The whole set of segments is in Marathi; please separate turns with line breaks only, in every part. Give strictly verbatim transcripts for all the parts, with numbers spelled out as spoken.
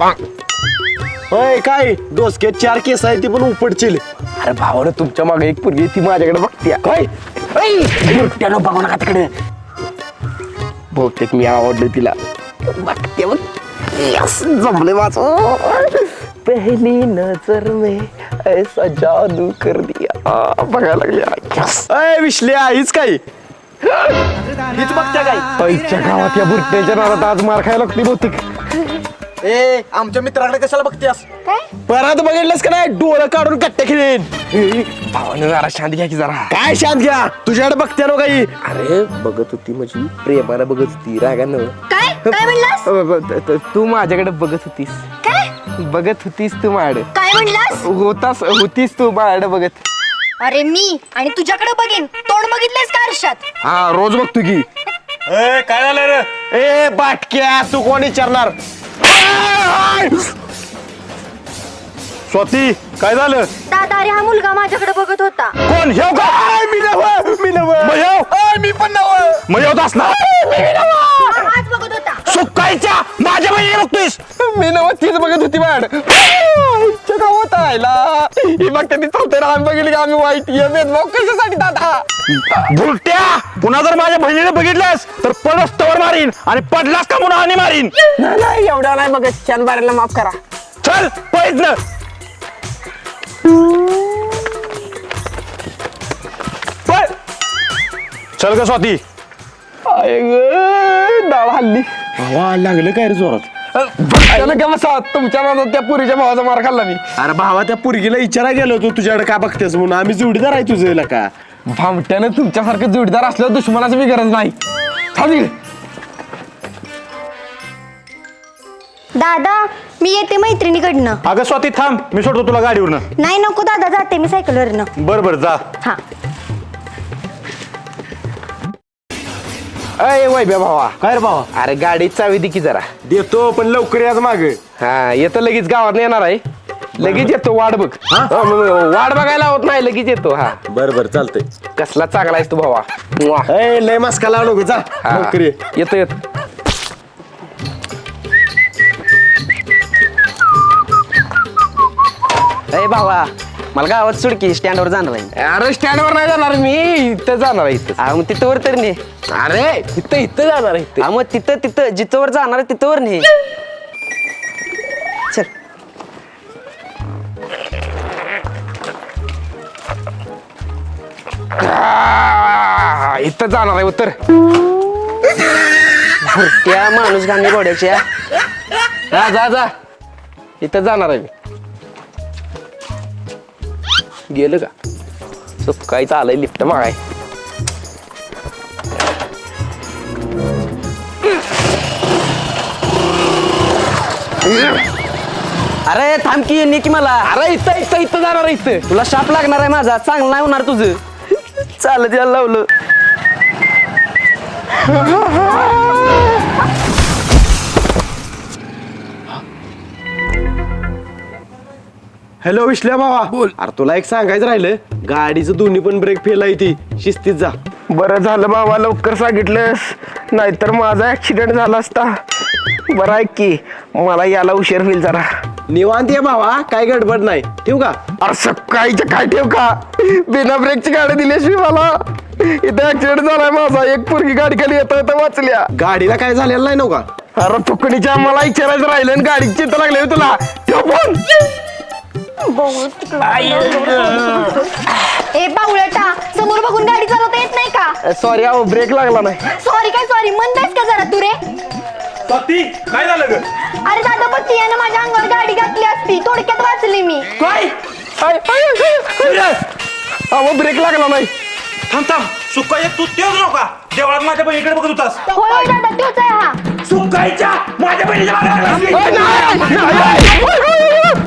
होय काय डोसके चार केस आहे ती पण उपडतील.
अरे भावानं तुमच्या मागे एक पोरगी ती माझ्याकडे बघते
काय
त्यानं बघा ना का तिकडे बहुतेक मी आवडलं तिला बघते बघ यस जमले वाचो पहली नजर में ऐसा जादू कर दिया बघायला लागल्या यस
अय विश्ल्या हीच काय हीच बघत्या काय
पैच्या गावात या बुरट्याच्या नादात आज मार खायला लागते बहुतेक
ए आमच्या मित्राकडे कशाला बघतेस
काय
परत बघितलंस का नाही डोळं काढून कट्टे खेळेन.
भावानं जरा शांत घ्या की जरा
काय शांत घ्या तुझ्याकडे बघते नो काही.
अरे बघत होती म्हणजे प्रेमाला बघत होती रागानं
काय काय म्हणलास
तू माझ्याकडे बघत होतीस
काय
बघत होतीस तू माझ्याकडे
काय म्हणलास
होतास होतीस तू माझ्याकडे बघत
अरे मी आणि तुझ्याकडे बघेन तोंड बघितलंस का आरशात
हा रोज बघतो की
ए काय झालं रे ए बाटक्या तू कोण विचारणार. स्वाती काय झालं
दादा अरे हा मुलगा माझ्याकडे बघत होता.
कोण हेव का मी नव मी नव मी पण नव मग होत असणार
हा, हाच बघत होता.
सुकायच्या माझ्या बहिणी बघतोयस.
मी नव तीच बघत होती मॅड गावात आयला ही बघते ती चौथ्या आम्ही बघितली की आम्ही वाईट ये भेदभाव कशासाठी दादा
बुलट्या पुन्हा जर माझ्या बहिणीने बघितल्यास तर पडस तवर मारीन आणि पडलास का पुन्हा आणि मारीन.
नाही एवढ्या नाही बघत छान बारेला माफ करा
चल पैज न पळ. चल ग स्वाती
डाळ हल्ली
वा लागलं काय रे जोरात.
त्यानं का बसा तुमच्या नादात त्या पुरीच्या भावाचा मार खाल्ला मी
अरे भावा त्या पुरगीला विचारा गेलो तू तुझ्याकडे का बघतेस म्हणून आम्ही जोडीदार आहे तुझं का.
भामट्यानं तुमच्यासारखं जोडीदार असल्यावर दुश्मनाची मी गरज नाही थांब
दादा मी येते मैत्रिणीकडनं.
अगं स्वाती थांब मी सोडतो तुला गाडीवरनं.
नाही नको दादा जाते मी सायकलवरनं.
बर बर जा.
हा
अय वैभ्या भावा
काय रे भावा
अरे गाडी चावी दे की जरा
देतो पण लवकर याच माग.
हा येतो लगेच गावात येणार आहे लगेच येतो वाट बघ
हा?
हा, मग वाट बघायला होत नाही लगेच येतो हा
बर बर चालतंय.
कसला चांगला आहेस तू भावा मुआ.
ए लय मस्का लावू नको जा
हा,
लवकर ये.
येतो येतो
अरे भावा मला गावात सुडकी स्टँडवर जाणार आहे.
अरे स्टँडवर नाही जाणार मी इथं जाणार आहे इथं
हा मग तिथं वर तर ने.
अरे इथं इथं जाणार आहे इथं
हा मग तिथं तिथं जिथं वर जाणार आहे तिथं वर ने. चल
आ, इथं जाणार आहे उत्तर
त्या माणूस गाणी घोड्याच्या
जा जा जा इथं जाणार आहे मी गेलं का सुकायचं आलंय लिफ्ट मागाय
अरे थांब की ने की मला.
अरे इथं इथं इथं जाणार आहे इथं
तुला शाप लागणार आहे माझा चांगला नाही होणार तुझं. चालत यायला लावलं.
हॅलो विश्ल्या भावा बोल. अरे तुला एक सांगायचं राहिलं गाडीचं दोन्ही पण ब्रेक फेल आहे ती शिस्तीत जा.
बरं झालं बाबा लवकर सांगितलंस नाहीतर माझा ऍक्सिडेंट झाला असता. बरं आहे की मला याला उशीर होईल जरा
निवांत ये भावा काय गडबड नाही ठेवू का.
अरे सकाळीच्या काय ठेव का बिना ब्रेकची गाडी दिल्याशिवाय मला इथं ऍक्सिडेंट झालाय माझा एक पोरगी गाडी खाली येता येता वाचल्या.
गाडीला काय झालेलं नाही नव्हता.
अरे फुकणीच्या मला विचारायचं राहिलं आणि गाडीची चिंता लागली होती तुला ठेव फोन.
ए बावळटा समोर बघून गाडी चालवता येत नाही का.
सॉरी अहो ब्रेक लागला नाही.
सॉरी काय सॉरी म्हणतायस का जरा तू रे.
स्वाती काय झालं ग.
अरे दादा बघ यानं माझ्या अंगावर गाडी घातली असती थोडक्यात वाचली मी.
काय
आय, आय, आय, आय. अहो ब्रेक लागला नाही.
थांब थांब सुकाय तू तेच नव्हता देवळात माझ्या बहिणीकडे बघत होतास.
होय होय दादा तोच आहे हा.
सुकायच्या माझ्या बहिणीच्या मागे लागलास.
आय, नाही, नाही, नाही.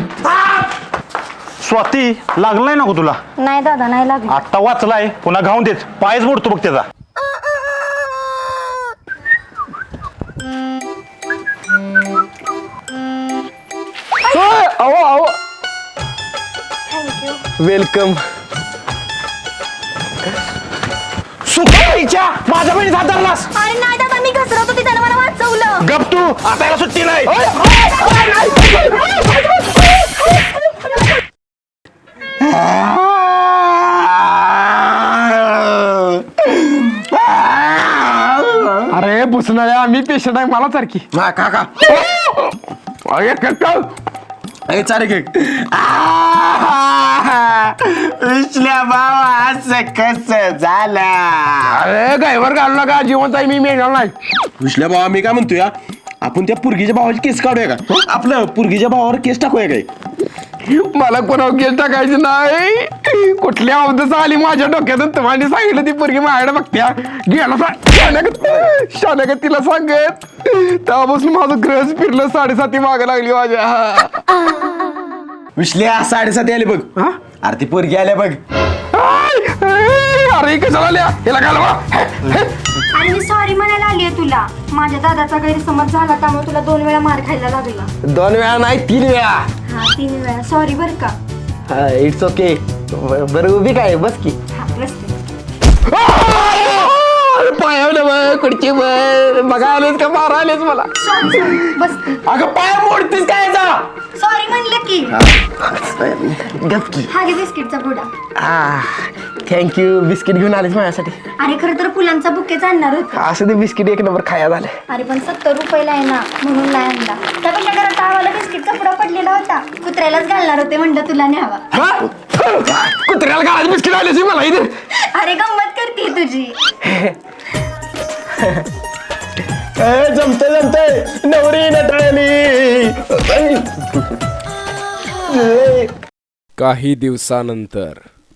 स्वाती लागलाय नको तुला.
नाही दादा नाही लागलं.
आत्ता वाचलाय पुन्हा घाऊन देत पायच मोडतो बघ त्याचा.
ओय, अहो अहो
थँक्यू.
वेलकम.
सुकायच्या माझ्या बहिणीचा हात धरलास.
अरे नाही दादा मी घसरत होती त्यानं मला वाचवलं.
गप तू, आता याला सुट्टी नाही.
अरे बुसणाऱ्या मी पेशंट आहे मला सारखी
हा काका
अरे कक्कल
ए चारे केक विश्ल्या बाबा असं कसं झालं.
अरे गायवर घालू नका जिवंत आहे मी मेणार नाही.
विश्ल्या बाबा मी काय म्हणतोय हा? आपण त्या पुरगीच्या भावाची केस काढूया का आपलं पुरगीच्या भावावर केस टाकूया काय.
मला कोणावर केस टाकायची नाही. कुठल्या अवधच आली माझ्या डोक्यातून तुम्हाला सांगितलं ती पोरगी माझ्याकडे बघत्या गेला शानगत शानगत तिला सांगत तेव्हापासून माझं ग्रहच फिरलं साडेसाती मागं लागली माझ्या.
विश्ल्या साडेसाती आले बघ. अरे ती पोरगी आल्या बघ.
अरे कशाला आल्या याला घालवा.
आणि मी सॉरी म्हणायला आली आहे तुला. माझ्या दादाचा गैरसमज झाला त्यामुळे तुला दोन वेळा मार खायला लागला.
दोन वेळा नाही तीन वेळा.
हा तीन वेळा सॉरी बर का.
It's okay. बरं उभी काय बस की.
हा बसते.
पायावलं बघ कुडची बघ बघा आलेच का मारा आलेच मला.
सॉरी सॉरी बसते.
अगं पाया मोडतीस काय
सॉरी म्हणलं की.
गपकी.
हा घे बिस्किटचा पुडा.
थँक्यू बिस्किट घेऊन आलेच माझ्यासाठी.
अरे खरं तर फुलांचा बुकेच आणणार होता.
असं ते बिस्किट एक नंबर खाया झाले.
अरे पण सत्तर रुपयाला आहे ना म्हणून नाही आणला. त्यापेक्षा घरात आम्हाला बिस्किटचा पुडा पडलेला होता. कुत्र्यालाच घालणार होते म्हणलं तुला न्यावा.
कुत्र्याला काय बिस्किट आले मला इथे.
अरे गंमत करते तुझी.
जमते जमते नवरी नटळली.
काही दिवसानंतर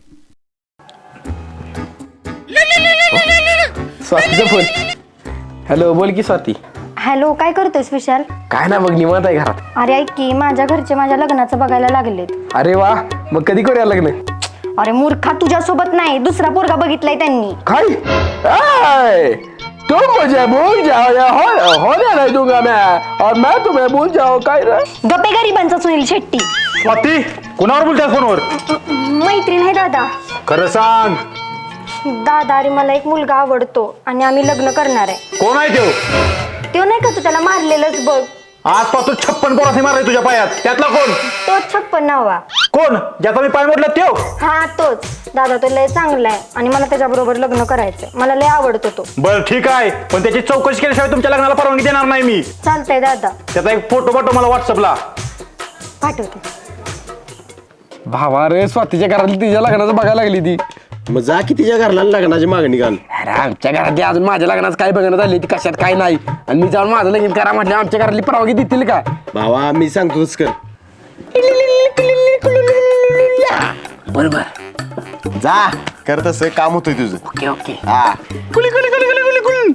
स्वातीचा फोन. हॅलो बोल की स्वाती.
हॅलो काय करतोयस विशाल.
काय ना बघ निवांत आहे घरात.
अरे ऐक की माझ्या घरचे माझ्या लग्नाचं बघायला लागलेत.
अरे वा मग कधी करूया लग्न.
अरे मूर्खा तुझ्यासोबत नाही दुसरा पोरगा बघितलाय त्यांनी.
काय आय, तुम मुझे भूल जाओ या हो होने नहीं दूंगा मैं और मैं तुम्हें भूल जाओ. काय रे
गप्पे गरिबांचा सुनील शेट्टी.
स्वाती कुणावर बोलतात फोनवर.
मैत्रीण आहे दादा.
खरं सांग
दादा अरे मला एक मुलगा आवडतो आणि आम्ही लग्न करणार आहे.
कोण आहे तो.
तो नाही का तू त्याला मारलेलंच बघ.
आजपासून छप्पन पोरासे मारले तुझ्या पायात त्यातला कोण.
तो छप्पन नावा.
कोण ज्याचा मी पाय मोडला त्यो.
हा तोच. दादा तो लय चांगला आहे आणि मला त्याच्याबरोबर लग्न करायचंय. मला लय आवडतो तो.
बर ठीक आहे पण त्याची चौकशी केल्याशिवाय तुमच्या लग्नाला परवानगी देणार नाही मी.
चालतंय दादा.
त्याचा एक फोटो पाठव मला व्हॉट्सअपला.
पाठवते.
भावा रे स्वातीच्या घरातली तिच्या लग्नाचं बघायला लागली ती.
मग जा की तिच्या घरला लग्नाची मागणी घाल.
अरे आमच्या घरातली अजून माझ्या लग्नाचं काय बघण्यात आली ती कशात काय नाही आणि मी जाऊन माझं लगीन करा म्हटलं आमच्या घरातली परवानगी देतील का.
भावा मी सांगतो तसं कर.
बरोबर
जा कर तसं काम होतंय तुझं.
Okay okay.
हा
कुली कुली कुली कुली कुली कुली.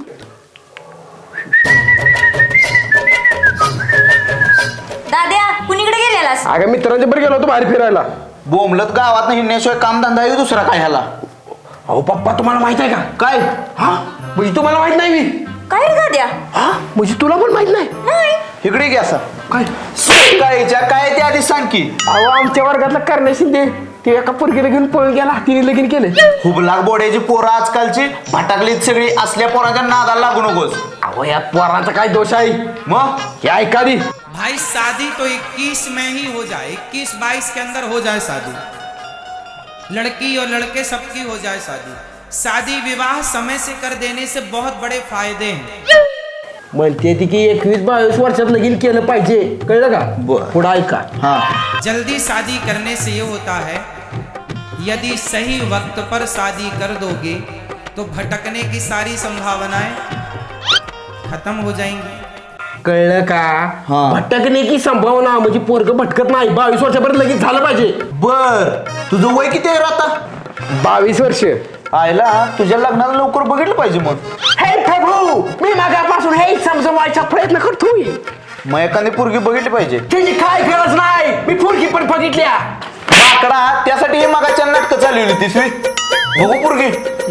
दाद्या कुणीकडे गेलेलास.
अगं मित्रांच्या बरं गेलो होतो बाहेर फिरायला.
बोंबलत गावात हिंडण्याशिवाय कामधंदा आहे दुसरा काय ह्याला.
अहो पप्पा तुम्हाला माहित आहे का.
काय
हा म्हणजे तुम्हाला माहित नाही मी.
काय रे दाद्या.
हा म्हणजे तुला पण माहित नाही.
इकडे घ्या असं
काय
काय काय ते आधी सांग की.
अहो आमच्या वर्गातला करण्या शिंदे ते एका पोरगीला घेऊन पळून गेला. तिने लगीन केलं.
हुबलाक बोड्याची पोरं आजकालची भटाकलीत सगळी असल्या पोरांच्या नादाला लागू नकोस.
अहो या पोरांचा काय दोष आहे.
मग
हे ऐका दी.
भाई शादी तो इक्कीस में ही हो जाए, इक्कीस बाईस के अंदर हो जाए शादी. लड़की और लड़के सबकी हो जाए शादी. शादी विवाह समय से कर देने से बहुत बड़े फायदे हैं.
म्हणते ती की एकवीस बावीस वर्षात लगीन केलं पाहिजे. कळलं का. पुढं ऐका.
हा
जल्दी शादी करने से ये होता है यदि सही वक्त पर शादी कर दोगे तो भटकने की सारी संभावनाएं खत्म हो जाएंगी.
कळलं का. भटकणे की संभावना म्हणजे पोरग भटकत नाही. बावीस वर्षापर्यंत लगीन झालं पाहिजे.
बर तुझं वय किती आहे रे आता.
बावीस वर्ष.
आयला तुझ्या लग्नाला लवकर बघितलं पाहिजे मग.
हे प्रभू मी मागापासून हे समजवायचा प्रयत्न करतोय.
मग एखादी पोरगी बघितली पाहिजे.
त्याची काय गरज नाही. मी पोरगी पण बघितल्या.
माकडा त्यासाठी हे मागाच्या नाटकं चालवली तिसरी. बघू पोरगी.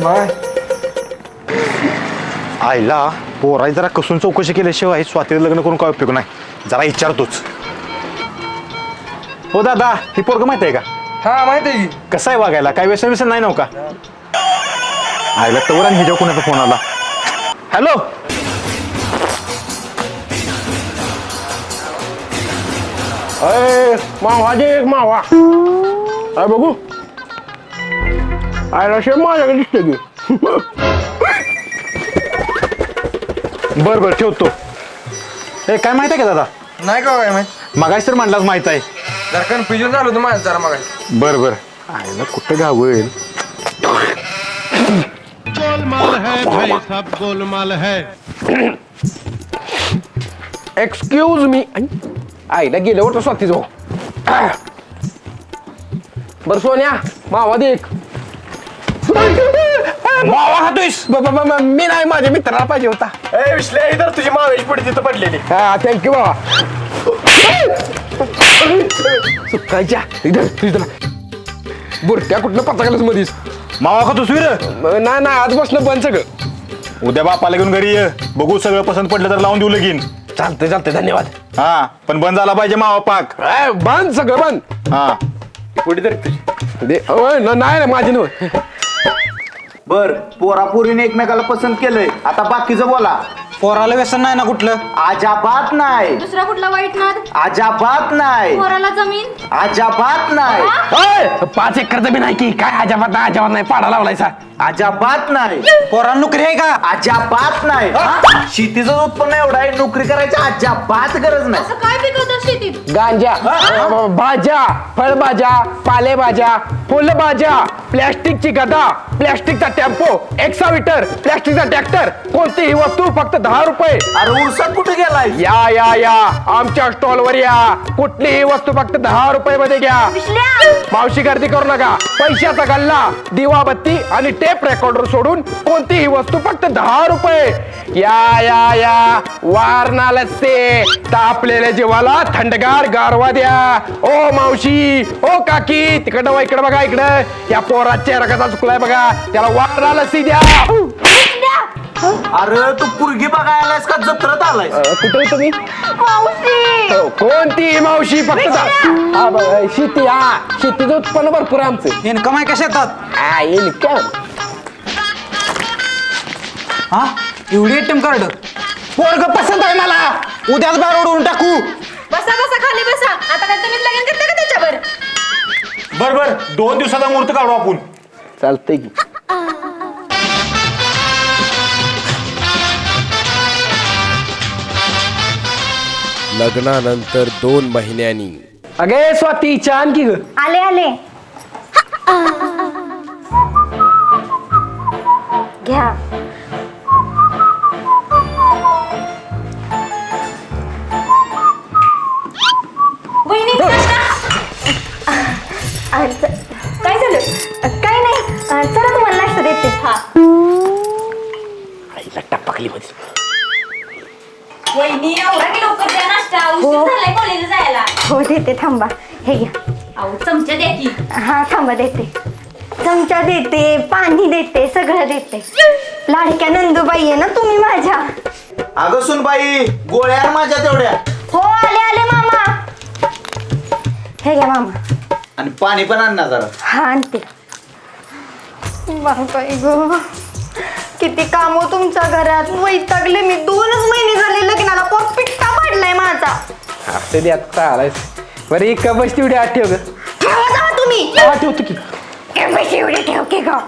आईला पोराई जरा कसून चौकशी केल्याशिवाय स्वातीला लग्न करून काय उपयोग नाही. जरा विचारतोच. हो दादा ही पोरग माहिती आहे का.
हा माहिती आहे.
कसं आहे वागायला काय व्यसन व्यसन नाही नव्ह का. आईला तवर आणि ह्याच्या कोणाचा फोन आला. हॅलो
अय मावा दे एक मावा अय बघू आयला शेप माझ्याकडे दिसते की
बर बर ठेवतो. ए काय माहित आहे का दादा?
नाही का काय माहित
मगाशी तर म्हणलाच माहित आहे.
जरा कन्फ्युजन झालं होतं माझं जरा मग
बर बर आयला कुठं गावेल.
गोलमाल है भाई सब गोलमाल है.
एक्सक्यूज मी आईला गेल्यावर तर स्वाती जाऊ. बर सोन्या मावा दे एक.
मावा खातोयस?
ब- ब- ब- मी नाही माझ्या मित्राला पाहिजे होता.
ए विश्ल्या इधर तुझी मावेश पुढे तिथं पडलेली.
हा थँक्यू बाबा. सुकायच्या इधर तुझ्या बुरट्या कुठलं पत्ता गेलास मधीच.
मावा खातोस वीर?
नाही नाही आज बसणं बंद सगळं.
उद्या बापाला घेऊन घरी ये. बघू सगळं पसंत पडलं तर लावून देऊ लगीन.
चालतंय चालतंय धन्यवाद.
हा पण बंद झाला पाहिजे मावा पाक.
ए, बंद सगळं बंद.
हा
पुढे तर तुझी.
दे ओय, न- नाही नाही माझी नव.
बर पोरापोरीने एकमेकाला पसंत केलंय, आता बाकीचं बोला.
पोराला व्यसन नाही ना कुठलं?
अजाबात नाही,
दुसरा कुठला वाईट नाद?
अजाबात नाही,
पोराला जमीन?
अजाबात नाही,
ओय, पाच एकर जमीन आहे की काय अजाबात नाही अजाबात नाही पाडा लावलायचा.
अजाबात नाही,
पोराला नोकरी आहे का?
अजाबात नाही. शेतीचं उत्पन्न एवढं आहे, नोकरी करायची अजाबात गरज नाही.
असं काय पिकवतात शेतीत?
गांजा अ, भाज्या फळभाज्या पालेभाज्या फुलभाज्या प्लॅस्टिकची गदा प्लॅस्टिकचा टेम्पो एक्साविटर प्लॅस्टिकचा ट्रॅक्टर कोणतीही वस्तू फक्त दहा रुपये.
अरे उरसात कुठे गेलाय?
या या या आमच्या स्टॉल वर या कुठलीही वस्तू फक्त दहा रुपये मध्ये घ्या.
विश्ल्या!
मावशी गर्दी करू नका. पैशाचा गल्ला दिवा बत्ती आणि टेप रेकॉर्डर सोडून कोणतीही वस्तू फक्त दहा रुपये. या या या वारणा लस्से तापलेल्या जीवाला थंडगार गारवा द्या. ओ मावशी ओ काकी तिकडं वा इकडं बघा इकडं या पोराचा चेहरा कसा चुकलाय बघा त्याला वारणा लस्सी द्या.
अरे तू पुरगी बघायलास का जत्रत आलाय?
कुठे तुम्ही
मावशी!
कोणती मावशी फक्त दा- हा बघ, शेती हा शेतीचं उत्पन्न भरपूर आहे आमचं.
इन्कम आहे का शेतात?
हा इनकम.
हा एवढी एटीएम कार्ड पोरग पसंत आहे मला. उद्याच बाहेर उडवून टाकू.
बसा बसा खाली बसा. आता काय तुम्हीच लगीन करता का त्याच्यावर?
बर बर दोन दिवसाचा मुहूर्त काढू आपण.
चालतंय की.
लग्नानंतर दोन महिन्यांनी.
अगे स्वाती छान की ग.
आले आले घ्या. वहिनी आ, च- काय झालं? काय नाही आ, चला तुम्हाला नाश्ता देते. हा
आईला टपकली मध्ये.
वहिनी एवढा की लवकर द्या नाश्ता उशीर झालाय कॉलेजला जायला.
हो देते थांबा. हे घ्या.
अहो चमचा द्या की.
हा थांबा देते. चमचा देते पाणी देते सगळं देते. लाडक्या नंदूबाई आहे ना तुम्ही माझ्या.
अगं सुनबाई गोळ्या माझ्या तेवढ्या,
हो आले आले मामा. हे घ्या मामा.
आणि पाणी पण आण ना जरा.
हा आणते. बाई ग किती काम हो तुमच्या घरात. वैतागले मी. दोनच महिने झाले लग्नाला पोट पिट्टा पडलाय माझा.
असते दे आता आलायस. बरं एक का बस तेवढी आठ ठेव ग.
ठेवा जावा तुम्ही.
हा, ठेवतो की.
ए, बस एवढे ठेव की ग.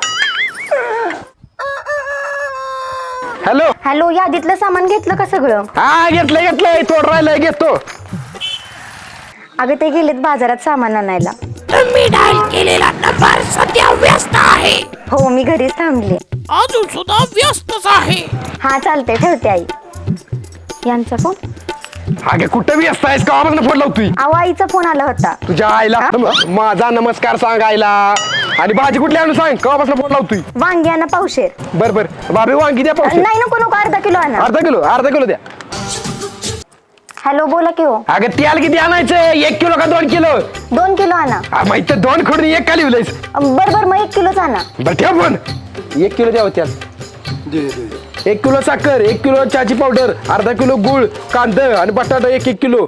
हॅलो
हॅलो यादीतलं सामान घेतलं का सगळं?
हा घेतलंय घेतलंय थोडं राहिलंय घेतो.
अगं ते गेलेत बाजारात सामान आणायला.
तुम्ही डायल केलेला नंबर सध्या व्यस्त आहे.
हो मी घरीच थांबले.
अजून सुद्धा व्यस्तच आहे.
हा चालते ठेवते आई. यांचा फोन?
अगे कुठं बी असतायस का फोन लावतोय.
अहो आईचा फोन आला होता.
तुझ्या आईला माझा नमस्कार सांग आईला. आणि भाजी कुठली आणून सांग कवापासून फोन लावतोय.
वांगी आणा पावशेर.
बर बर बाबी वांगी द्या पावशेर.
नाही नको नको अर्धा किलो आणा.
अर्धा किलो अर्धा किलो द्या.
हॅलो बोला की हो.
अगं तेल किती आणायचं एक किलो का दोन किलो?
दोन किलो आणा.
हा, माहित तर दोन खडून एक का लिहिलंयस.
बर बर मग एक किलोच आणा.
बरं ठेव फोन. एक किलो द्या त्यात. एक किलो साखर एक किलो चहाची पावडर अर्धा किलो गुळ कांदा आणि बटाटा एक एक किलो.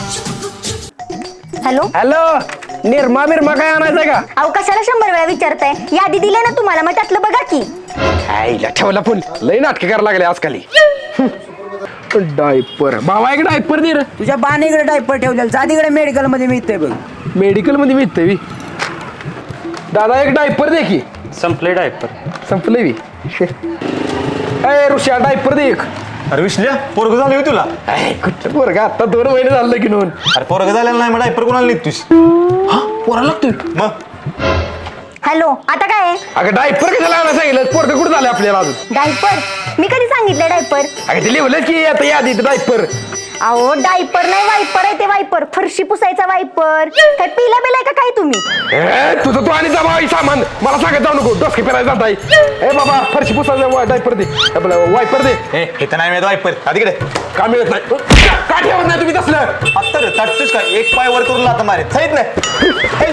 हॅलो
हॅलो निर्मा बिर्मा काय आणायचंय का?
अहो कशाला शंभर वेळा विचारताय. यादी दिली ना तुम्हाला मग त्यातलं बघा की.
आईला ठेवला फोन. लय नाटक करायला लागले आजकाल. डायपर भावा एक डायपर दे रे.
तुझ्या बाणीकडे डायपर ठेवलेला जा तिकडे मेडिकल मध्ये मिळतंय बघ.
मेडिकल मध्ये मिळते बी. दादा एक डायपर दे की.
संपले डायपर.
संपले बी. अय ऋषा डायपर दे एक.
अरे विश्ल्या पोरग झालं होय तुला.
कुठं पोरगा आता दोन महिने झालं की नोंद.
अरे पोरग झालेलं नाही मग डायपर कोणाला निघतोस.
पोरा लागतोय
मग
हॅलो आता काय आहे?
अगं डायपर कशाला आणायला सांगितलं पोरग कुठं झालं आपल्याला अजून.
डायपर मी कधी सांगितलं डायपर?
अगं ते लिहिलं की आता यादी डायपर.
अहो डायपर नाही वायपर आहे ते वायपर फरशी पुसायचा वायपर. काय पिला बिलाय का काय तुम्ही?
ए तुझं तू आणि जमा सामान मला सांगत जाऊ नको डोसके फिरायला जात आहे. ए बाबा फरशी पुसायचा डायपर दे आपलं वायपर दे.
हे इथं नाही मिळत वायपर. हा तिकडे
का मिळत नाही का ठेवत नाही तुम्ही तसलं.
आत्ता रे ताटतोस का एक पाय वर करून लाता मारे थाईत नाही.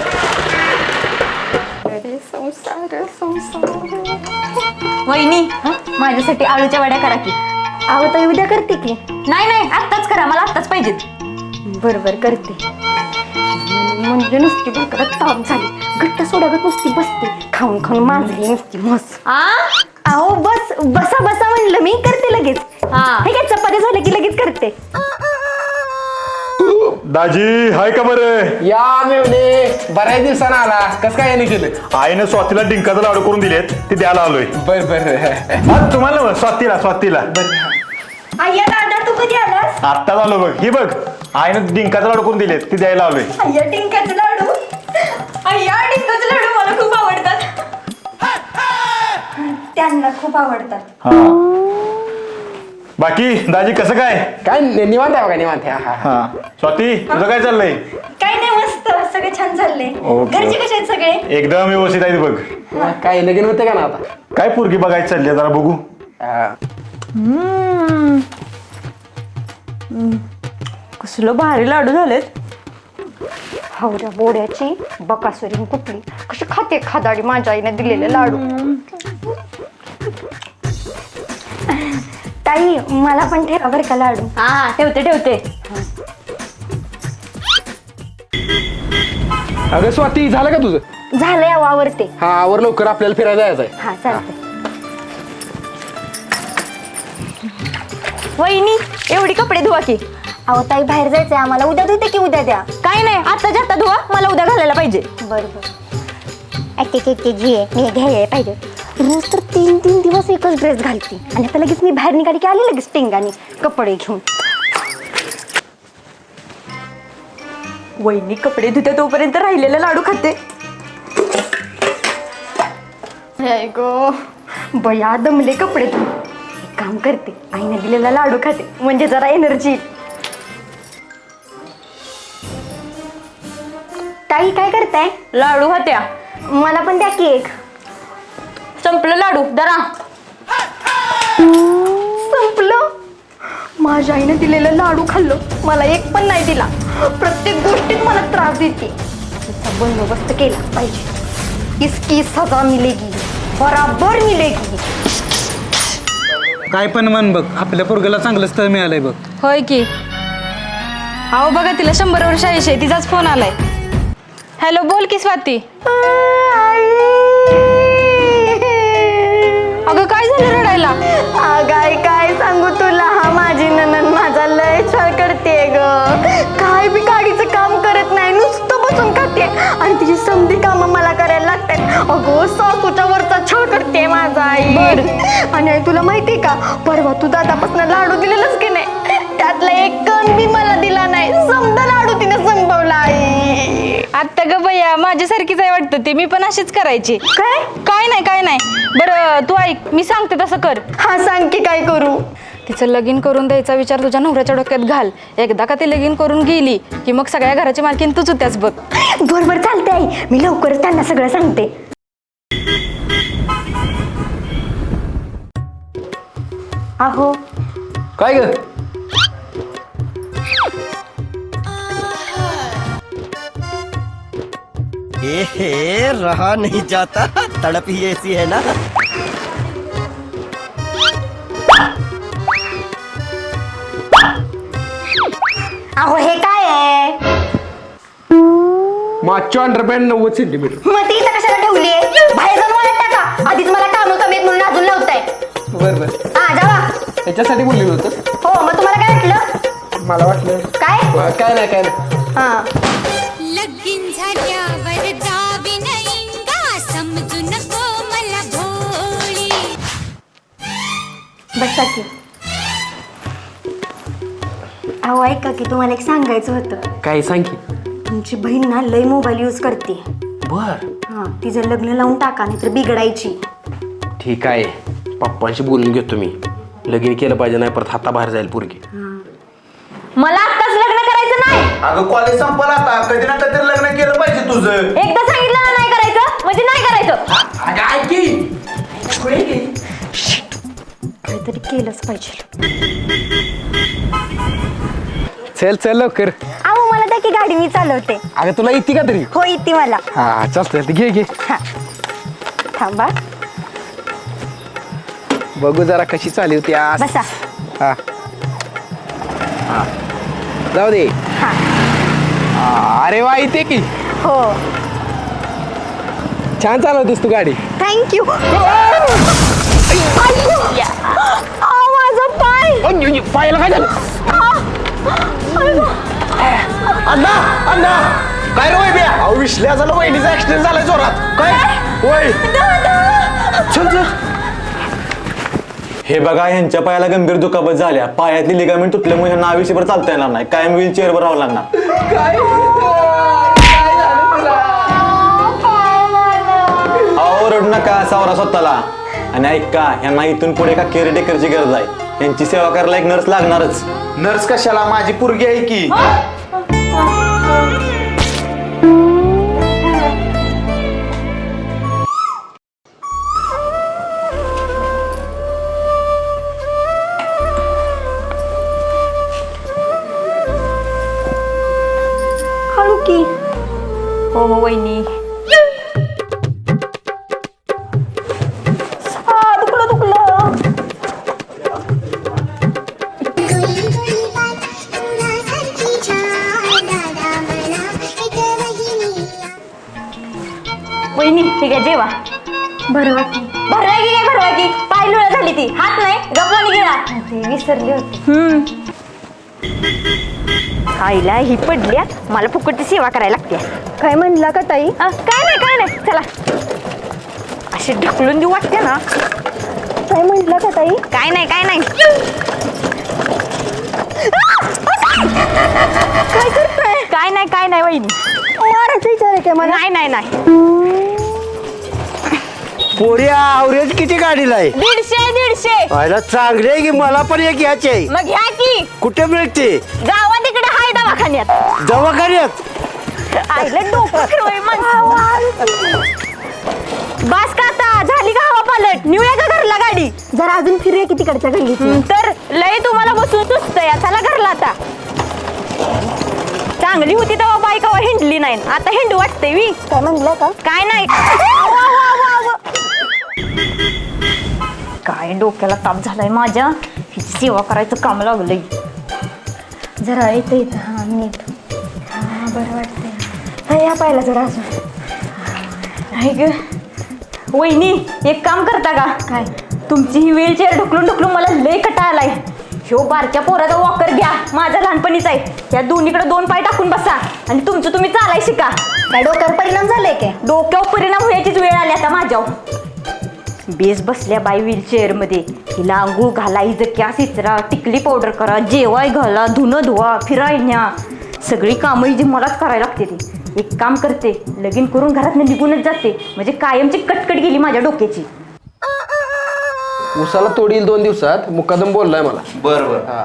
वहिनी माझ्यासाठी आळूच्या वड्या करा की. आहो तर उद्या करते की. नाही नाही आत्ताच करा मला आत्ताच पाहिजेत. बरोबर करते. म्हणजे नुसती भाकरच ताप झाली घट्ट सोडागत नुसती बसते खाऊन खाऊन माजली नुसती मस. अहो बस बसा बसा म्हणलं मी करते लगेच. हे काय चपाती झालं की लगेच करते.
दाजी हाय का बरं.
या मेवणे बऱ्याच दिवसानं आला कस काय याने केलं.
आईनं स्वातीला डिंकाचा लाडू करून दिलेत ते द्यायला आलोय.
बर बर
हा तुम्हाला मग, स्वातीला स्वातीला
अय्या दादा तू कधी आलास?
आत्ताच आलो बघ. ही बघ आईनं डिंकाचा लाडू करून दिलेत ते द्यायला आलोय.
अय्या डिंकाचे लाडू. अय्या डिंकाचे लाडू मला खूप आवडतात. त्यांना खूप आवडतात.
हा बाकी दाजी कसं काय.
काय निवांत आहे बघा निवांत आहे. हा
हा स्वाती तुझं काय चाललंय.
काय नाही मस्त सगळे छान चालले.
ओके.
घरचे कसे आहेत सगळे?
एकदम व्यवस्थित आहे बघ.
हा. काय लगीन होते का ना आता.
काय पोरगी बघायची चालली आहे, जरा बघू.
कसलं भारी लाडू झालेत. हवऱ्या बोड्याची बकासुरी कुठली कशी खाते खादाडी माझ्या आईने दिलेले लाडू. ताई मला पण ठेवा बरं का लाडू. हा हा ठेवते ठेवते.
अगं स्वाती झालं का तुझं.
झालंय अहो आवरते.
हा आवर लवकर आपल्याला फिरायला जायचंय.
हा चालते. वहिनी एवढी कपडे धुवा की. अहो ताई बाहेर जायचंय आम्हाला उद्या धुते की उद्या द्या. काय नाही आता जाता धुवा मला उद्या घालायला पाहिजे. बरं बरं घे मी घ्यायला पाहिजे. रोज तर तीन तीन दिवस एकच ड्रेस घालते आणि आता लगेच मी बाहेर निघाली की आले लगेच टिंगाने कपडे घेऊन. वहिनी कपडे धुते तोपर्यंत राहिलेले लाडू खाते. गो बया दमले कपडे धुवून. एक काम करते आईने दिलेला लाडू खाते म्हणजे जरा एनर्जी. ताई काय करताय. लाडू खात्या. मला पण द्या की एक. संपलं लाडू दरा. संपलं. माझ्या आईने दिलेलं लाडू खाल्लं मला एक पण नाही दिला. प्रत्येक गोष्टीत मला त्रास देते. तिचा बंदोबस्त केला पाहिजे. इसकी सजा मिलेगी बराबर मिलेगी.
काय पण म्हण बघ आपल्या पोरगाला चांगलं स्थळ मिळालंय बघ.
होय की. अहो बघा तिला शंभर वर्ष आयुष्य आहे तिचाच फोन आलाय. हॅलो बोल की स्वाती. अगं काय झालं रडायला.
अगाय काय सांगू तुला हा माझी ननंद माझा लय छळ करते ग. काय बी गाडीचं काम करत नाही नुसतं बसून खाते आणि तिची समधी कामं मला करायला लागतात. अगो सासूच्या वरचा छळ करते माझा आई. आणि आई तुला माहितीये का परवा तू दादापासून लाडू दिलेलंच की नाही त्यातला एक कण बी मला दिला नाही. समजा लाडू तिने संपवला आई.
आत्ता ग बया माझ्यासारखीच आहे वाटतं ते मी पण अशीच करायची.
काय
काय नाही काय नाही. बरं तू ऐक मी सांगते तसं कर.
हा सांग की काय करू.
तिचं लगीन करून द्यायचा विचार तुझ्या नवऱ्याच्या डोक्यात घाल. एकदा का ती लगीन करून गेली की मग सगळ्या घराची मालकीन तूच होत्याच बघ.
बरोबर चालते आई मी लवकरच त्यांना सगळं सांगते. अहो
काय ग.
ए रहा नहीं जाता तड़प ही ऐसी है ना.
अहो हे काय आहे.
मागच्या अंडरपॅन्ट नव्वद सेंटीमीटर.
मग ती इथं कशाला ठेवलीये बाहेर जाऊन वाळत टाका. आधीच मला कामं कमी आहेत म्हणून अजून लावताय.
बर बर
हा जावा.
याच्यासाठी बोललेलं होतं.
हो मग तुम्हाला काय वाटलं?
मला वाटलं
काय
काय नाही काय नाही.
हा
लगीन झाल्यावर जावी नाही का समजू नको मला भोळी.
बसा की. अहो ऐका की तुम्हाला एक सांगायचं होतं.
काय सांग की.
तुमची बहीण ना लय मोबाईल यूज करते.
बर
हा तिचं लग्न लावून टाका नाही तर बिघडायची.
ठीक आहे, पप्पांशी बोलून घेतो मी. लगीन केलं पाहिजे, नाही परत हाताबाहेर जाईल पोरगी.
मला आत्ताच लग्न करायचं नाही.
अगं कॉलेज संपलं आता, कधी ना कधी लग्न केलं पाहिजे तुझं.
एकदा सांगितलं ना नाही करायचं म्हणजे नाही करायचं. काहीतरी केलंच पाहिजे.
चल चल लवकर.
अहो मला त्या की गाडी मी चालवते.
अगं तुला येते का तरी?
हो येते मला.
हा चालतंय, घे घे.
हा थांबा.
बघू जरा कशी चालली होती आज.
बसा.
हा हा जाऊ दे.
हा
हा, अरे वा येते की.
हो
छान चालवतेस तू गाडी.
थँक्यू. माझा पाय.
पायाला काय झालं?
अण्णा अण्णा काय रे वय बिया? अहो विश्ल्या झालं, वहिनीचा ऍक्सिडेंट झालाय जोरात. काय वय? चल चल.
हे बघा, ह्यांच्या पायाला गंभीर दुखापत झाल्या. पायातली लिगामेंट तुटल्यामुळे ह्यांना आयुष्यभर चालता येणार नाही. कायम व्हीलचेअरवर राहावं लागणार. अहो रडू नका, सावरा स्वतःला. आणि ऐका, ह्यांना इथून पुढे का केअरटेकरची गरज आहे. यांची सेवा करायला एक नर्स लागणारच.
नर्स कशाला, माझी पोरगी आहे की.
हळू की. हो हो वहिनी. आ, दुखलं दुखलं. वहिनी ठीक आहे जेवा. भरवा की. भरवा की काय भरवा की? पाय लुळा झाली ती. हात नाही गप्पानी गेला. ते विसरली होती. हम्म आईला ही पडल्या, मला फुकटची सेवा करायला लागते. काय म्हणला का ताई? काय नाही काय नाही चला. अशी ढकलून देऊ वाटते ना. काय म्हटलं का ताई? काय नाही काय नाही. काय करताय? काय नाही काय नाही वहिनी. मारायचा विचार आहे का मला? नाही नाही नाही.
पोरी आवरेज किती गाडीला आहे?
दीडशे दीडशे.
व्हायला चांगली आहे की, मला पण एक घ्यायची आहे.
मग घ्या की.
कुठे मिळते?
गावात इकडे हाय दवाखान्यात.
दवाखान्यात?
आईला डोकं फिरवय माणसं. बास का आता झाली का हवा पालट? निवया का घरला गाडी? जरा अजून फिरूया की तिकडच्या गल्लीत. तर लय तुम्हाला बसून सुचतंय. चला घरला आता. चांगली होती तेव्हा बाईक हवा हिंडली नाही, आता हिंडू वाटते वी. काय म्हणलं का? काय नाही. काय डोक्याला ताप झालाय माझ्या. हिची सेवा करायचं काम लागलंय. जरा येतं येतं. हा नीट. हा बरं वाटतंय. या पाहिला जरा अजून. ऐक वहिनी एक काम करता का? काय? तुमची ही व्हीलचेअर ढकलून ढकलून मला लय कटा आलाय. ह्यो बारक्या पोराचा वॉकर घ्या, माझा लहानपणीच आहे. या दोन्हीकडे दोन पाय टाकून बसा आणि तुमचं तुम्ही चालाय शिका. काय डोक्यावर परिणाम झालाय काय? डोक्यावर परिणाम व्हायचीच वेळ आली आता माझ्यावर. बेस बसल्या बाई व्हीलचेअर मध्ये. हिला आंघोळ घाला, हिचं कॅस इचरा, टिकली पावडर करा, जेवाय घाला, धुणं धुवा, फिराय न्या. सगळी कामं ही जी मलाच करायला लागते ती. एक काम करते, लगीन करून घरात निघूनच जाते. म्हणजे कायमची कटकट गेली माझ्या डोक्याची.
उसाला तोडील दोन दिवसात, मुकादम बोललाय मला.
बर बर.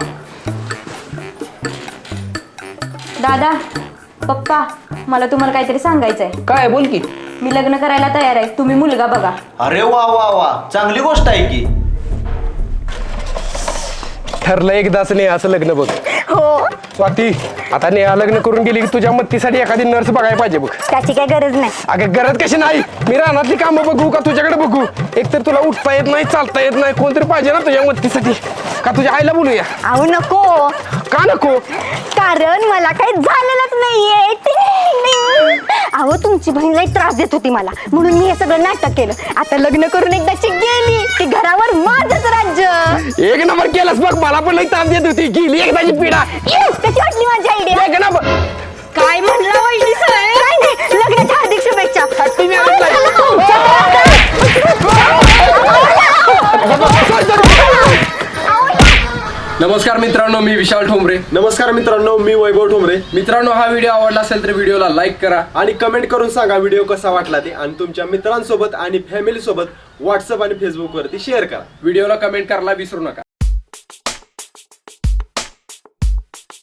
दादा पप्पा मला तुम्हाला काहीतरी सांगायचंय.
काय बोल की.
मी लग्न करायला तयार आहे, तुम्ही मुलगा बघा.
अरे वा वा वा, चांगली गोष्ट आहे की.
ठरलं एकदाच नाही असं लग्न बघ.
हो
स्वाती आता नेहा लग्न करून गेली की तुझ्या मत्तीसाठी एखादी नर्स बघायला पाहिजे बघ.
त्याची काय गरज नाही.
अगं गरज कशी नाही, मी रानातली कामं बघू का तुझ्याकडे बघू? एकतर तुला उठता येत नाही, चालता येत नाही, कोणतरी पाहिजे ना तुझ्या मत्तीसाठी. का तुझ्या आईला बोलूया?
अहो नको.
का नको?
कारण मला काही झालेलंच नाहीये. अहो तुमची बहीण लई त्रास देत होती मला, म्हणून मी हे सगळं नाटक केलं. आता लग्न करून एकदाची गेली की घरावर माझंच राज्य.
एक नंबर केलंस बघ, मला पण लई ताप देत होती, गेली एकदाची पिढा.
कशी वाटली माझी आयडिया?
एक नंबर.
काय म्हणलं वैली सर? काय नाही, लग्नाच्या हार्दिक शुभेच्छा.
नमस्कार मित्रांनो, मी विशाल ठोंबरे.
नमस्कार मित्रांनो, मी वैभव ठोंबरे.
मित्रांनो, हा व्हिडिओ आवडला असेल तर व्हिडिओला लाईक करा
आणि कमेंट करून सांगा व्हिडिओ कसा वाटला ते, आणि तुमच्या मित्रांसोबत आणि फॅमिली सोबत व्हॉट्सअप आणि फेसबुक वरती शेअर करा.
व्हिडिओला कमेंट करायला विसरू नका.